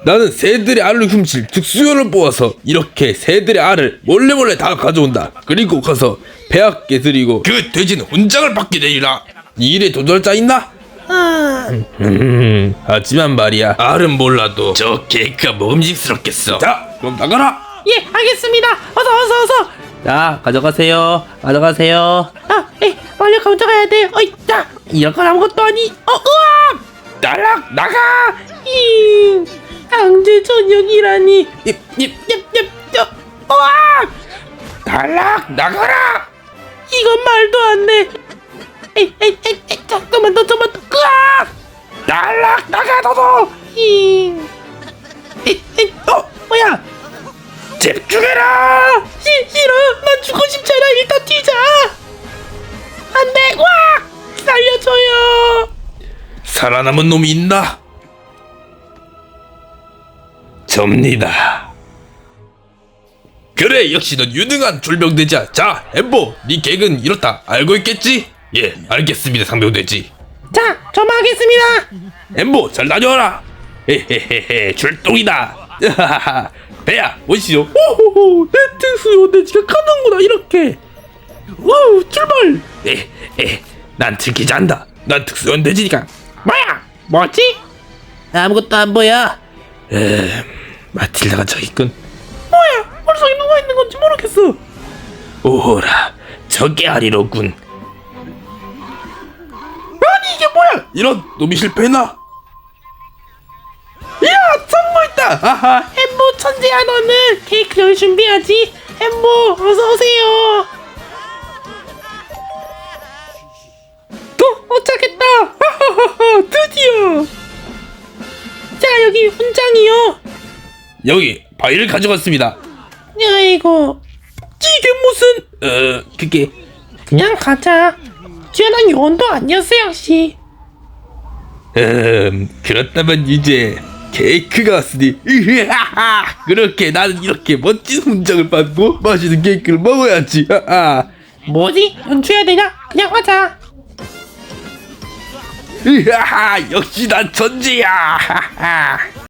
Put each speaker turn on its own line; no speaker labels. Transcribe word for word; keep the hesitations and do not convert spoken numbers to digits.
나는 새들의 알을 훔칠 특수요원을 뽑아서 이렇게 새들의 알을 몰래몰래 다 가져온다. 그리고 가서 폐하께 드리고 그 돼지는 훈장을 받게 되리라. 이 일에 도전할 자 있나? 음, 하지만 말이야, 알은 몰라도 저 케이크가 먹음직스럽겠어. 자, 그럼 나가라.
예, 알겠습니다. 어서 어서 어서.
자, 가져가세요. 가져가세요.
아, 에, 빨리 가져가야 돼. 어이, 자, 이런 건 아무것도 아니. 어, 으아!
날락 나가.
잉, 강제 전역이라니.
입, 입,
얍, 얍, 얍. 으아!
날락 나가라.
이건 말도 안 돼. 에이, 에이, 에이, 에이, 잠깐만 더, 잠깐만 더. 으아!
날락 나가 너도.
잉. 에이, 에이, 어, 뭐야?
집중해라.
시, 싫어. 난 죽고 싶잖아. 일단 뛰자. 안 돼. 와! 살려줘요.
살아남은 놈이 있나? 접니다. 그래, 역시 넌 유능한 졸병돼지야. 자, 엠보, 네 계획은 이렇다. 알고 있겠지? 예, 알겠습니다, 상병돼지.
자, 점하겠습니다.
엠보, 잘 다녀와라. 헤헤헤헤, 출동이다. 배야, 오시오.
오호호, 내 특수요원돼지가 가는구나 이렇게. 와우, 출발.
에, 에, 난 들키지 않다. 난 특수연돼지니까.
뭐야? 뭐지?
아무것도 안 보여.
에, 마틸다가 저기 있군.
뭐야? 머릿속에 누가 있는 건지 모르겠어.
오호라, 저게 아니로군.
아니 이게 뭐야?
이런 놈이 실패했나? 이야, 성공했다. 아하.
햄보 천재야 너는. 케이크 여기 준비하지. 햄보 어서 오세요. 또 도착했다. 하하하하, 드디어. 자, 여기 훈장이요.
여기 바위를 가져갔습니다.
아이고, 이게 무슨?
어, 그게
그냥 가자. 뛰어난 요원도 아니었어 역시.
음, 그렇다면 이제 케이크가 왔으니 으하하, 그렇게 나는 이렇게 멋진 훈장을 받고 맛있는 케이크를 먹어야지. 하하.
뭐지? 연주해야 되냐? 그냥 하자.
으하하, 역시 난 천재야. 하하.